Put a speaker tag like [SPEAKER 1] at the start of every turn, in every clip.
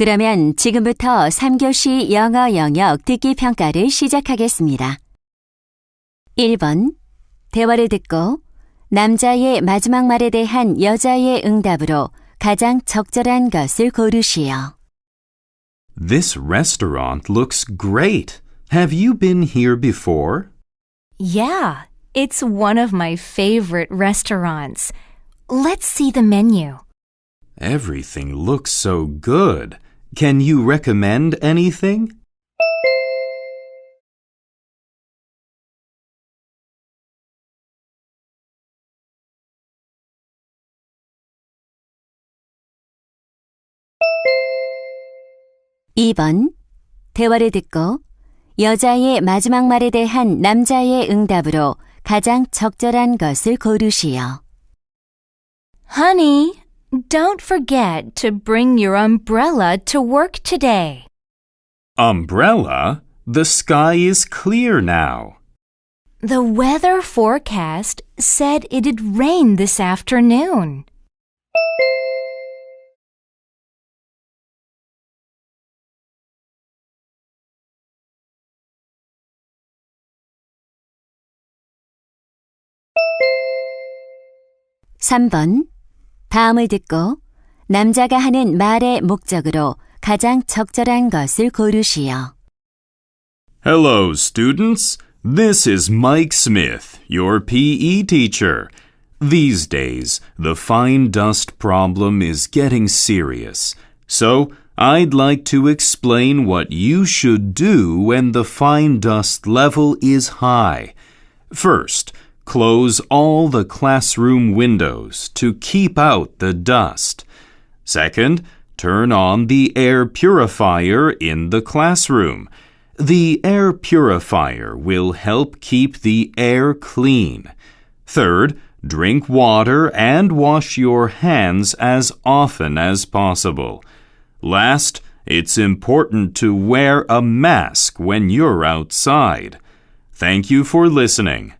[SPEAKER 1] 그러면 지금부터 3교시 영어 영역 듣기 평가를 시작하겠습니다. 1번. 대화를 듣고 남자의 마지막 말에 대한 여자의 응답으로 가장 적절한 것을 고르시오.
[SPEAKER 2] This restaurant looks great. Have you been here before?
[SPEAKER 3] Yeah, it's one of my favorite restaurants. Let's see the menu.
[SPEAKER 2] Everything looks so good. Can you recommend anything?
[SPEAKER 1] (2번) 대화를 듣고 여자의 마지막 말에 대한 남자의 응답으로 가장 적절한 것을 고르시오.
[SPEAKER 3] Honey, don't forget to bring your umbrella to work today.
[SPEAKER 2] Umbrella? The sky is clear now.
[SPEAKER 3] The weather forecast said it'd rain this afternoon.
[SPEAKER 1] (3번) 다음을 듣고 남자가 하는 말의 목적으로 가장 적절한 것을 고르시오.
[SPEAKER 2] Hello, students. This is Mike Smith, your PE teacher. These days, the fine dust problem is getting serious. So, I'd like to explain what you should do when the fine dust level is high. First, close all the classroom windows to keep out the dust. Second, turn on the air purifier in the classroom. The air purifier will help keep the air clean. Third, drink water and wash your hands as often as possible. Last, it's important to wear a mask when you're outside. Thank you for listening.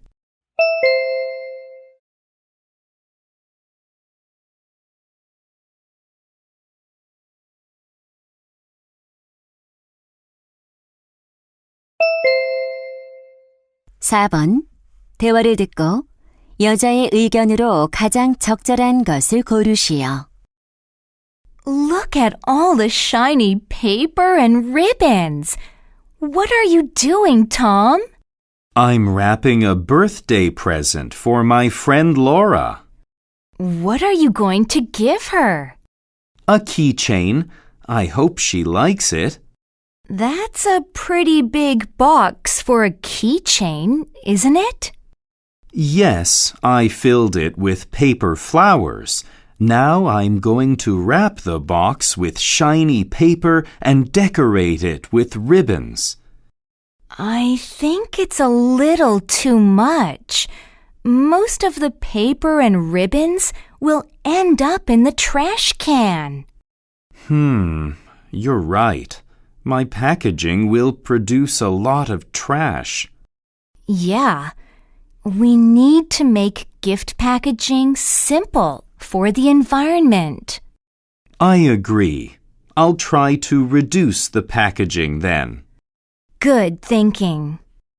[SPEAKER 1] (4번) 대화를 듣고 여자의 의견으로 가장 적절한 것을 고르시오.
[SPEAKER 3] Look at all the shiny paper and ribbons. What are you doing, Tom?
[SPEAKER 2] I'm wrapping a birthday present for my friend Laura.
[SPEAKER 3] What are you going to give her?
[SPEAKER 2] A keychain. I hope she likes it.
[SPEAKER 3] That's a pretty big box for a keychain, isn't it?
[SPEAKER 2] Yes, I filled it with paper flowers. Now I'm going to wrap the box with shiny paper and decorate it with ribbons.
[SPEAKER 3] I think it's a little too much. Most of the paper and ribbons will end up in the trash can.
[SPEAKER 2] You're right. My packaging will produce a lot of trash.
[SPEAKER 3] Yeah, we need to make gift packaging simple for the environment.
[SPEAKER 2] I agree. I'll try to reduce the packaging then.
[SPEAKER 3] Good thinking.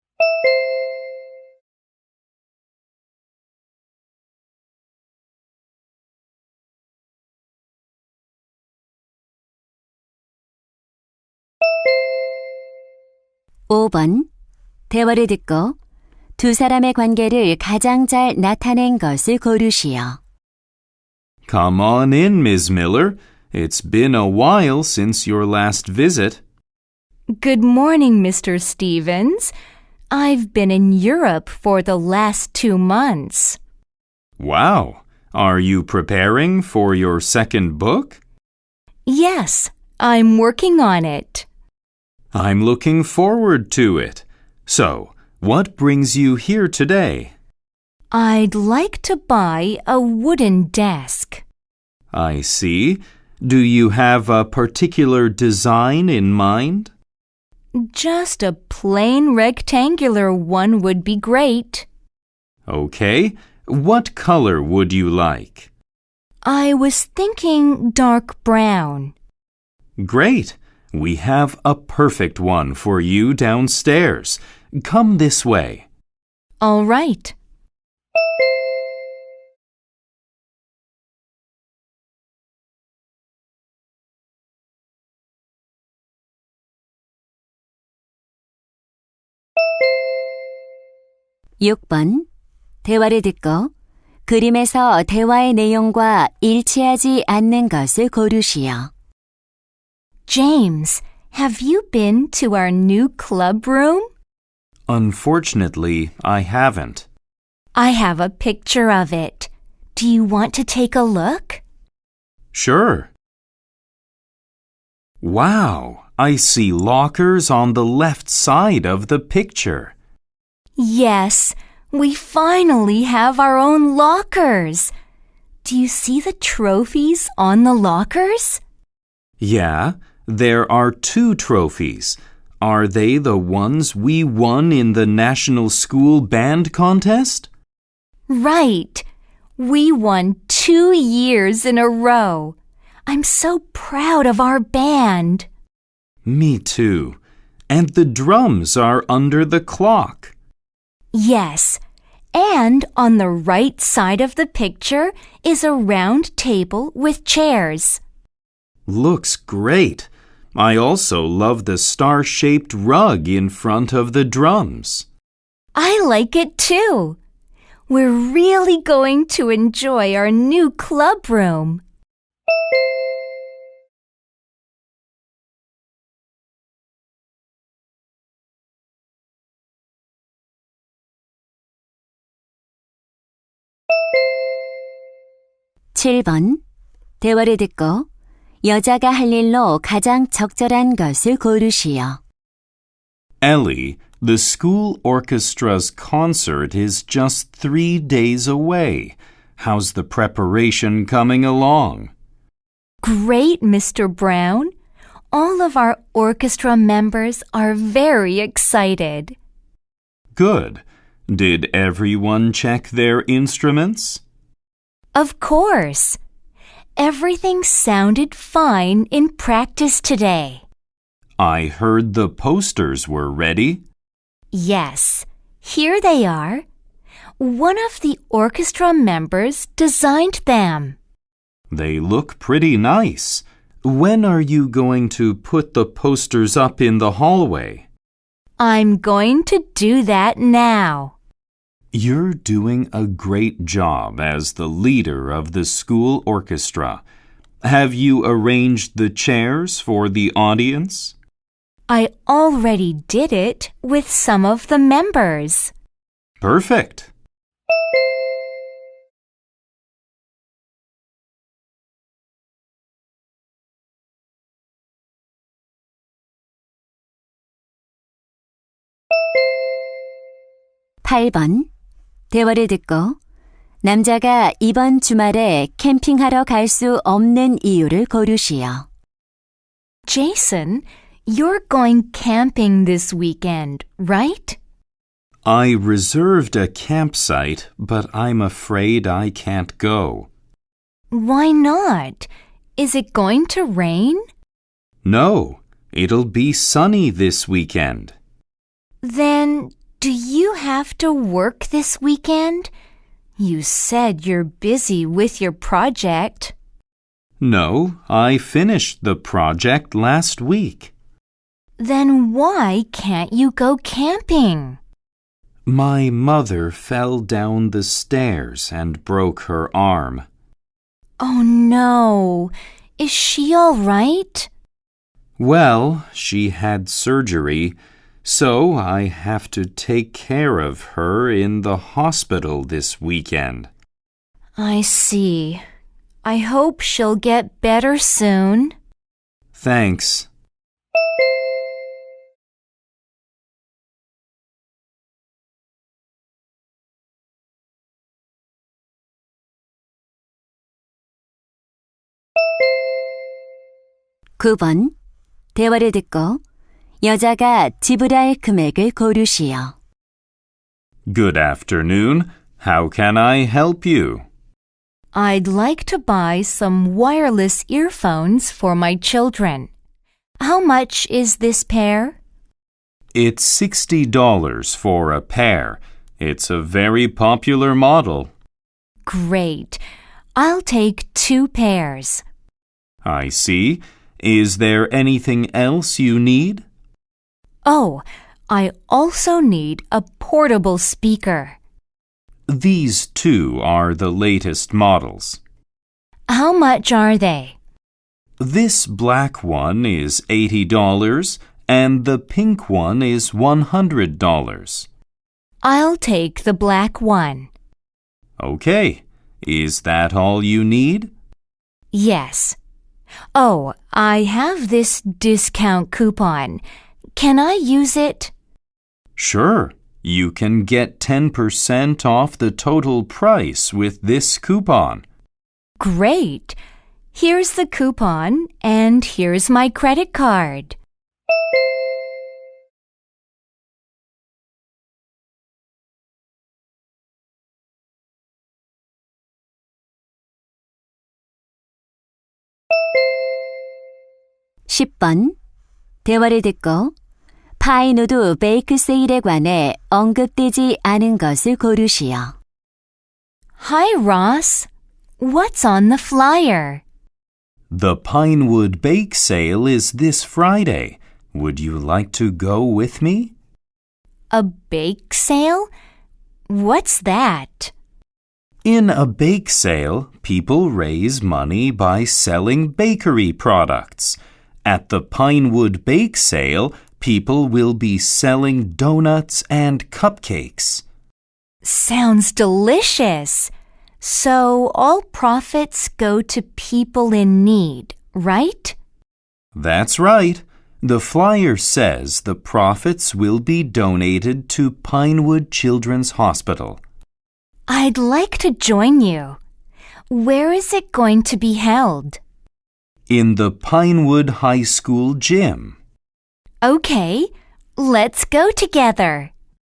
[SPEAKER 1] (5번) 대화를 듣고 두 사람의 관계를 가장 잘 나타낸 것을 고르시오.
[SPEAKER 2] Come on in, Ms. Miller. It's been a while since your last visit.
[SPEAKER 3] Good morning, Mr. Stevens. I've been in Europe for the last 2 months.
[SPEAKER 2] Wow. Are you preparing for your second book?
[SPEAKER 3] Yes, I'm working on it.
[SPEAKER 2] I'm looking forward to it. So, what brings you here today?
[SPEAKER 3] I'd like to buy a wooden desk.
[SPEAKER 2] I see. Do you have a particular design in mind?
[SPEAKER 3] Just a plain rectangular one would be great.
[SPEAKER 2] Okay. What color would you like?
[SPEAKER 3] I was thinking dark brown.
[SPEAKER 2] Great! We have a perfect one for you downstairs. Come this way.
[SPEAKER 3] All right.
[SPEAKER 1] 육 번 대화를 듣고 그림에서 대화의 내용과 일치하지 않는 것을 고르시오.
[SPEAKER 3] James, have you been to our new club room?
[SPEAKER 2] Unfortunately, I haven't.
[SPEAKER 3] I have a picture of it. Do you want to take a look?
[SPEAKER 2] Sure. Wow, I see lockers on the left side of the picture.
[SPEAKER 3] Yes, we finally have our own lockers. Do you see the trophies on the lockers?
[SPEAKER 2] Yeah, there are 2 trophies. Are they the ones we won in the National School Band Contest?
[SPEAKER 3] Right. We won 2 years in a row. I'm so proud of our band.
[SPEAKER 2] Me too. And the drums are under the clock.
[SPEAKER 3] Yes, and on the right side of the picture is a round table with chairs.
[SPEAKER 2] Looks great. I also love the star-shaped rug in front of the drums.
[SPEAKER 3] I like it too. We're really going to enjoy our new club room.
[SPEAKER 1] 칠 번 대화를 듣고 여자가 할 일로 가장 적절한 것을 고르시오.
[SPEAKER 2] Ellie, the school orchestra's concert is just 3 days away. How's the preparation coming along?
[SPEAKER 3] Great, Mr. Brown. All of our orchestra members are very excited.
[SPEAKER 2] Good. Did everyone check their instruments?
[SPEAKER 3] Of course. Everything sounded fine in practice today.
[SPEAKER 2] I heard the posters were ready.
[SPEAKER 3] Yes, here they are. One of the orchestra members designed them.
[SPEAKER 2] They look pretty nice. When are you going to put the posters up in the hallway?
[SPEAKER 3] I'm going to do that now.
[SPEAKER 2] You're doing a great job as the leader of the school orchestra. Have you arranged the chairs for the audience?
[SPEAKER 3] I already did it with some of the members.
[SPEAKER 2] Perfect.
[SPEAKER 1] 팔 번 대화를 듣고 남자가 이번 주말에 캠핑하러 갈 수 없는 이유를 고르시오.
[SPEAKER 3] Jason, you're going camping this weekend, right?
[SPEAKER 2] I reserved a campsite, but I'm afraid I can't go.
[SPEAKER 3] Why not? Is it going to rain?
[SPEAKER 2] No, it'll be sunny this weekend.
[SPEAKER 3] Then, do you have to work this weekend? You said you're busy with your project.
[SPEAKER 2] No, I finished the project last week.
[SPEAKER 3] Then why can't you go camping?
[SPEAKER 2] My mother fell down the stairs and broke her arm.
[SPEAKER 3] Oh no. Is she all right?
[SPEAKER 2] Well, she had surgery, so I have to take care of her in the hospital this weekend.
[SPEAKER 3] I see. I hope she'll get better soon.
[SPEAKER 2] Thanks.
[SPEAKER 1] 구 번 대화를 듣고 여자가 지불할 금액을 고르시오.
[SPEAKER 2] Good afternoon. How can I help you?
[SPEAKER 3] I'd like to buy some wireless earphones for my children. How much is this pair?
[SPEAKER 2] It's $60 for a pair. It's a very popular model.
[SPEAKER 3] Great. I'll take 2 pairs.
[SPEAKER 2] I see. Is there anything else you need?
[SPEAKER 3] Oh, I also need a portable speaker.
[SPEAKER 2] These two are the latest models.
[SPEAKER 3] How much are they?
[SPEAKER 2] This black one is $80 and the pink one is $100.
[SPEAKER 3] I'll take the black one.
[SPEAKER 2] Okay. Is that all you need?
[SPEAKER 3] Yes. Oh, I have this discount coupon. Can I use it?
[SPEAKER 2] Sure. You can get 10% off the total price with this coupon.
[SPEAKER 3] Great. Here's the coupon and here's my credit card.
[SPEAKER 1] (10번) 대화를 듣고 파이누드 베이크 세일에 관해 언급되지 않은 것을 고르시오.
[SPEAKER 3] Hi, Ross. What's on the flyer?
[SPEAKER 2] The Pinewood Bake Sale is this Friday. Would you like to go with me?
[SPEAKER 3] A bake sale? What's that?
[SPEAKER 2] In a bake sale, people raise money by selling bakery products. At the Pinewood Bake Sale, people will be selling donuts and cupcakes.
[SPEAKER 3] Sounds delicious. So all profits go to people in need, right?
[SPEAKER 2] That's right. The flyer says the profits will be donated to Pinewood Children's Hospital.
[SPEAKER 3] I'd like to join you. Where is it going to be held?
[SPEAKER 2] In the Pinewood High School gym.
[SPEAKER 3] Okay, let's go together.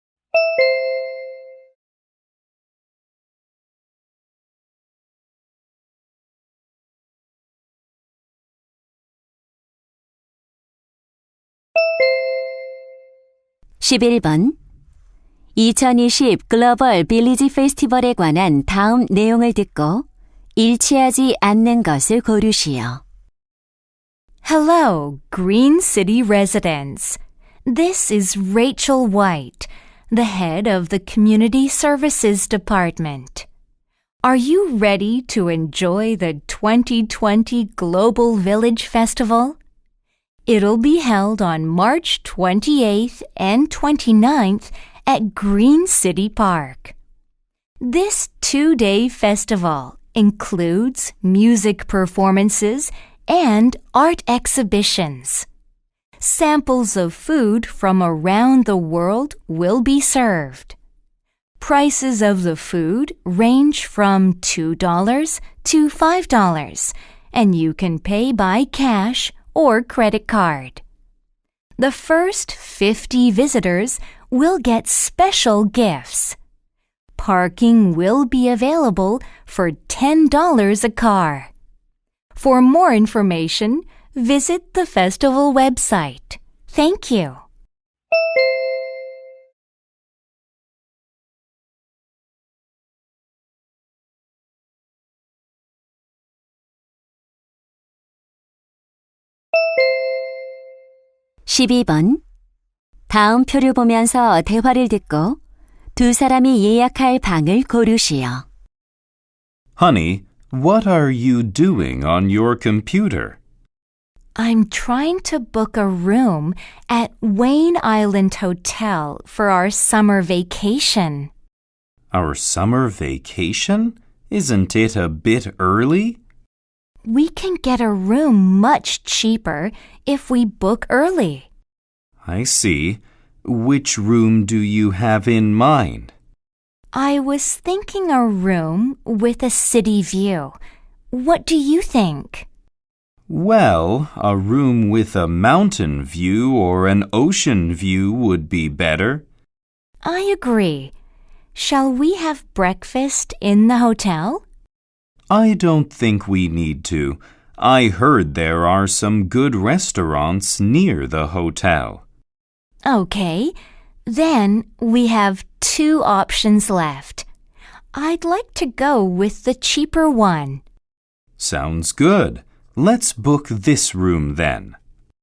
[SPEAKER 1] (11번) 2020 글로벌 빌리지 페스티벌에 관한 다음 내용을 듣고 일치하지 않는 것을 고르시오.
[SPEAKER 3] Hello, Green City residents. This is Rachel White, the head of the Community Services Department. Are you ready to enjoy the 2020 Global Village Festival? It'll be held on March 28th and 29th at Green City Park. This 2-day festival includes music performances and art exhibitions. Samples of food from around the world will be served. Prices of the food range from $2 to $5, and you can pay by cash or credit card. The first 50 visitors will get special gifts. Parking will be available for $10 a car. For more information, visit the festival website. Thank you.
[SPEAKER 1] (12번) 다음 표를 보면서 대화를 듣고 두 사람이 예약할 방을 고르시오.
[SPEAKER 2] Honey, what are you doing on your computer?
[SPEAKER 3] I'm trying to book a room at Wayne Island Hotel for our summer vacation.
[SPEAKER 2] Our summer vacation? Isn't it a bit early?
[SPEAKER 3] We can get a room much cheaper if we book early.
[SPEAKER 2] I see. Which room do you have in mind?
[SPEAKER 3] I was thinking a room with a city view. What do you think?
[SPEAKER 2] Well, a room with a mountain view or an ocean view would be better.
[SPEAKER 3] I agree. Shall we have breakfast in the hotel?
[SPEAKER 2] I don't think we need to. I heard there are some good restaurants near the hotel.
[SPEAKER 3] Okay, then we have 2 options left. I'd like to go with the cheaper one.
[SPEAKER 2] Sounds good. Let's book this room then.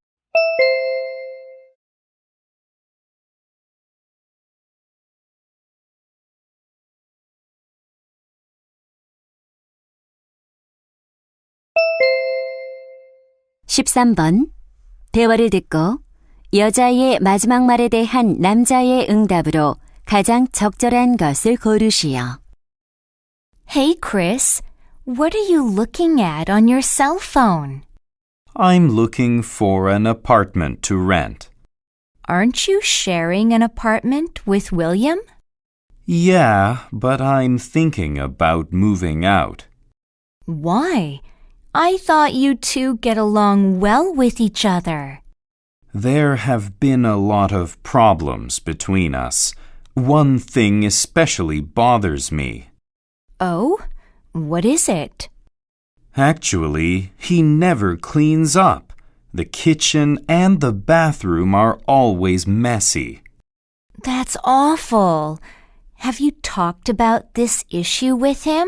[SPEAKER 1] (13번) 대화를 듣고 여자의 마지막 말에 대한 남자의 응답으로 가장 적절한 것을 고르시오.
[SPEAKER 3] Hey, Chris, what are you looking at on your cell phone?
[SPEAKER 2] I'm looking for an apartment to rent.
[SPEAKER 3] Aren't you sharing an apartment with William?
[SPEAKER 2] Yeah, but I'm thinking about moving out.
[SPEAKER 3] Why? I thought you two get along well with each other.
[SPEAKER 2] There have been a lot of problems between us. One thing especially bothers me.
[SPEAKER 3] Oh? What is it?
[SPEAKER 2] Actually, he never cleans up. The kitchen and the bathroom are always messy.
[SPEAKER 3] That's awful. Have you talked about this issue with him?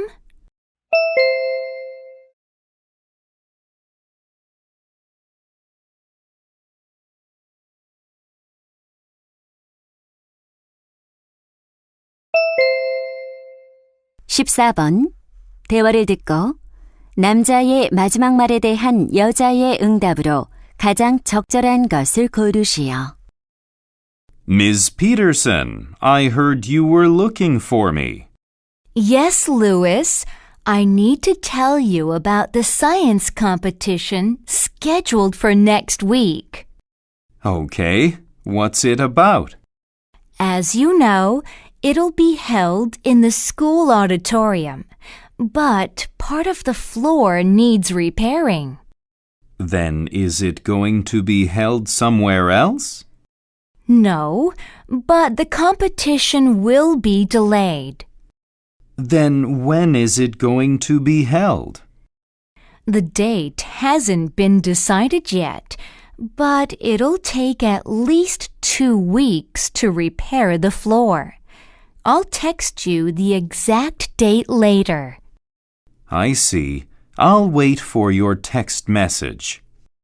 [SPEAKER 1] (14번) 대화를 듣고 남자의 마지막 말에 대한 여자의 응답으로 가장 적절한 것을 고르시오.
[SPEAKER 2] Ms. Peterson, I heard you were looking for me.
[SPEAKER 3] Yes, Louis. I need to tell you about the science competition scheduled for next week.
[SPEAKER 2] Okay, what's it about?
[SPEAKER 3] As you know, it'll be held in the school auditorium, but part of the floor needs repairing.
[SPEAKER 2] Then is it going to be held somewhere else?
[SPEAKER 3] No, but the competition will be delayed.
[SPEAKER 2] Then when is it going to be held?
[SPEAKER 3] The date hasn't been decided yet, but it'll take at least 2 weeks to repair the floor. I'll text you the exact date later.
[SPEAKER 2] I see. I'll wait for your text message.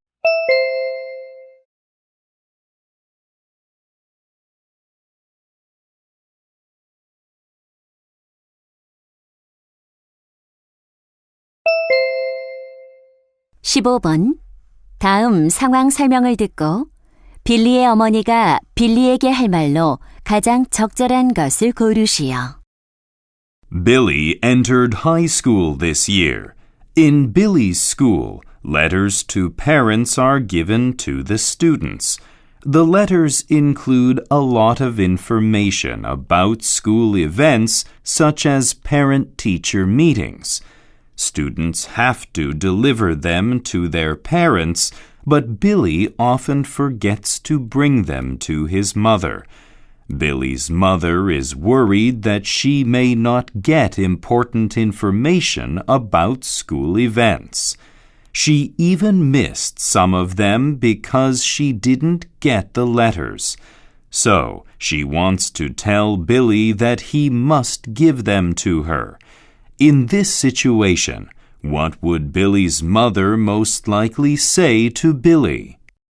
[SPEAKER 1] (15번) 다음 상황 설명을 듣고 빌리의 어머니가 빌리에게 할 말로 가장 적절한 것을 고르시오.
[SPEAKER 2] Billy entered high school this year. In Billy's school, letters to parents are given to the students. The letters include a lot of information about school events such as parent-teacher meetings. Students have to deliver them to their parents, but Billy often forgets to bring them to his mother. Billy's mother is worried that she may not get important information about school events. She even missed some of them because she didn't get the letters. So she wants to tell Billy that he must give them to her. In this situation, what would Billy's mother most likely say to Billy?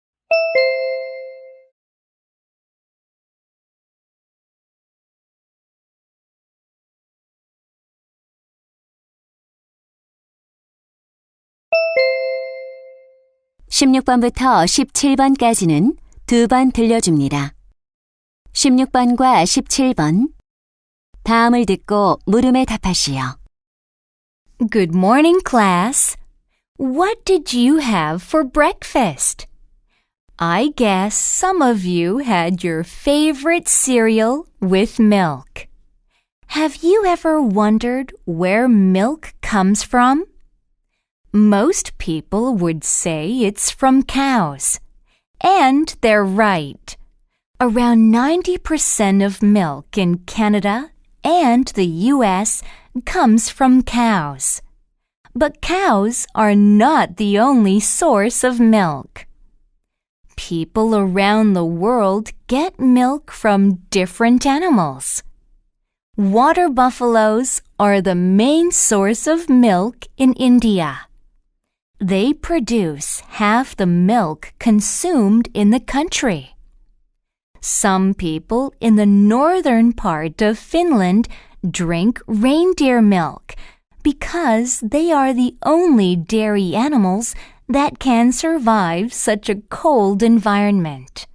[SPEAKER 1] (16번부터 17번까지는 2번 들려줍니다. 16번과 17번 다음을 듣고 물음에 답하시오.
[SPEAKER 3] Good morning, class. What did you have for breakfast? I guess some of you had your favorite cereal with milk. Have you ever wondered where milk comes from? Most people would say it's from cows. And they're right. Around 90% of milk in Canada and the U.S. comes from cows. But cows are not the only source of milk. People around the world get milk from different animals. Water buffaloes are the main source of milk in India. They produce half the milk consumed in the country. Some people in the northern part of Finland drink reindeer milk because they are the only dairy animals that can survive such a cold environment.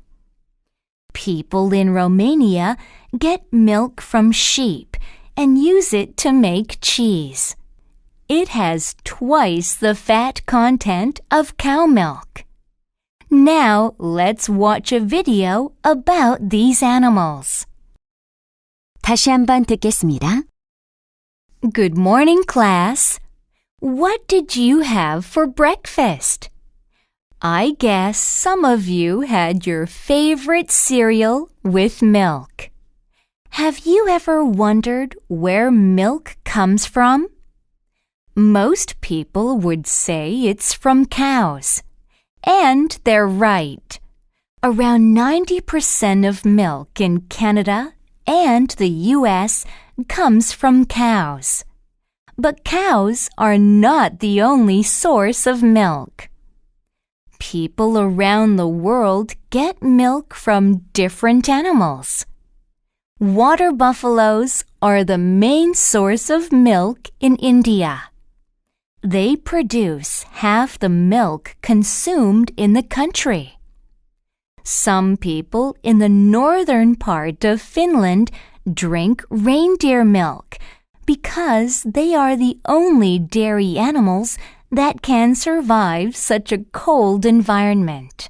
[SPEAKER 3] People in Romania get milk from sheep and use it to make cheese. It has twice the fat content of cow milk. Now let's watch a video about these animals.
[SPEAKER 1] 다시 한번 듣겠습니다.
[SPEAKER 3] Good morning, class. What did you have for breakfast? I guess some of you had your favorite cereal with milk. Have you ever wondered where milk comes from? Most people would say it's from cows. And they're right. Around 90% of milk in Canada and the US comes from cows. But cows are not the only source of milk. People around the world get milk from different animals. Water buffaloes are the main source of milk in India. They produce half the milk consumed in the country. Some people in the northern part of Finland drink reindeer milk because they are the only dairy animals that can survive such a cold environment.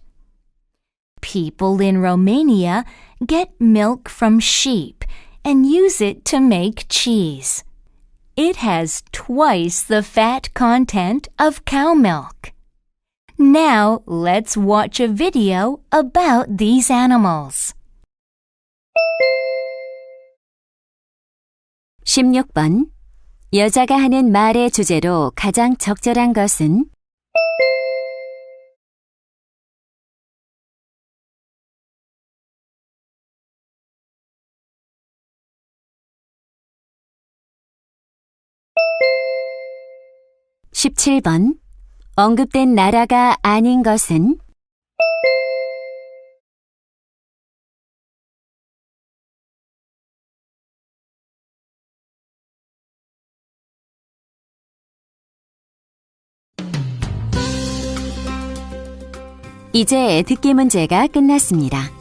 [SPEAKER 3] People in Romania get milk from sheep and use it to make cheese. It has twice the fat content of cow milk. Now let's watch a video about these animals.
[SPEAKER 1] 16번. 여자가 하는 말의 주제로 가장 적절한 것은? (17번) 언급된 나라가 아닌 것은? 이제 듣기 문제가 끝났습니다.